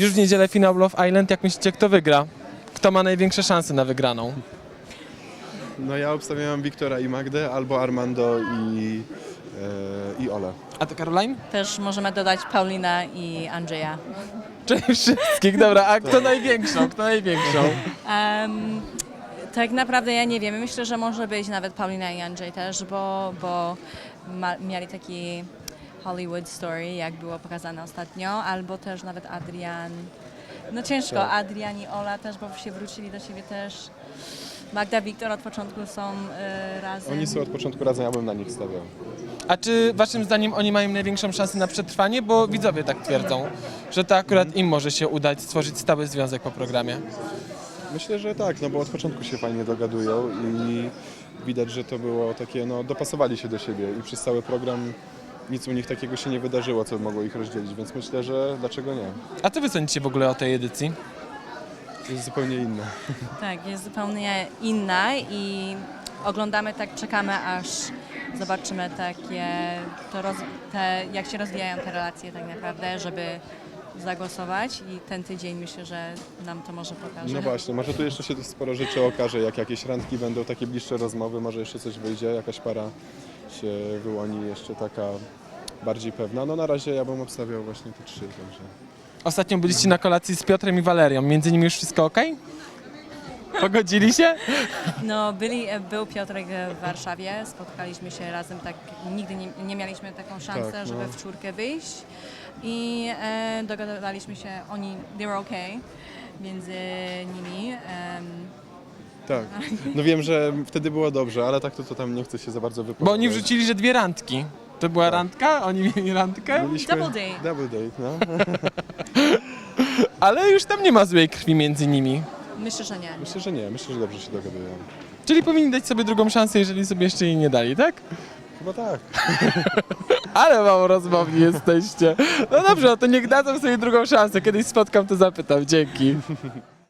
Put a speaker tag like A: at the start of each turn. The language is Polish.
A: Już w niedzielę finał Love Island. Jak myślicie, kto wygra? Kto ma największe szanse na wygraną?
B: No ja obstawiam Wiktora i Magdę, albo Armando i Ole.
A: A ty, Caroline?
C: Też możemy dodać Paulina i Andrzeja.
A: Czyli wszystkich, dobra. A kto największą? Kto największą?
C: Tak naprawdę ja nie wiem. Myślę, że może być nawet Paulina i Andrzej też, bo mieli taki Hollywood story, jak było pokazane ostatnio, albo też nawet Adrian. No ciężko,
B: Tak.
C: Adrian i Ola też, bo się wrócili do siebie też. Magda, Wiktor od początku są razem.
B: Oni są od początku razem, ja bym na nich stawiał.
A: A czy waszym zdaniem oni mają największą szansę na przetrwanie? Bo widzowie tak twierdzą, że to akurat im może się udać stworzyć stały związek po programie.
B: Myślę, że tak, no bo od początku się fajnie dogadują i widać, że to było takie, no dopasowali się do siebie i przez cały program nic u nich takiego się nie wydarzyło, co mogło ich rozdzielić, więc myślę, że dlaczego nie?
A: A co wy sądzicie w ogóle o tej edycji?
B: Jest zupełnie inne.
C: Tak, jest zupełnie inna i oglądamy, tak czekamy, aż zobaczymy jak się rozwijają te relacje tak naprawdę, żeby zagłosować i ten tydzień myślę, że nam to może pokaże.
B: No właśnie, może tu jeszcze się sporo rzeczy okaże, jak jakieś randki będą, takie bliższe rozmowy, może jeszcze coś wyjdzie, jakaś para się wyłoni jeszcze taka bardziej pewna. No na razie ja bym obstawiał właśnie te trzy, także...
A: Ostatnio byliście na kolacji z Piotrem i Walerią. Między nimi już wszystko ok? Pogodzili się?
C: No, był Piotrek w Warszawie, spotkaliśmy się razem, tak nigdy nie mieliśmy taką szansę,
B: Tak, no.
C: żeby w czwórkę wyjść i dogadaliśmy się, they were okay między nimi.
B: Tak, no wiem, że wtedy było dobrze, ale tak to tam nie chcę się za bardzo wypowiadać.
A: Bo oni wrzucili, że 2 randki. To była randka? Oni mieli randkę?
B: Mieliśmy
C: Double date.
B: Double date, no.
A: Ale już tam nie ma złej krwi między nimi.
C: Myślę, że nie.
B: Myślę, że nie, myślę, że dobrze się dogadują.
A: Czyli powinni dać sobie drugą szansę, jeżeli sobie jeszcze jej nie dali, tak?
B: Chyba tak.
A: Ale mało rozmowni jesteście. No dobrze, no to niech dadzą sobie drugą szansę. Kiedyś spotkam, to zapytam. Dzięki.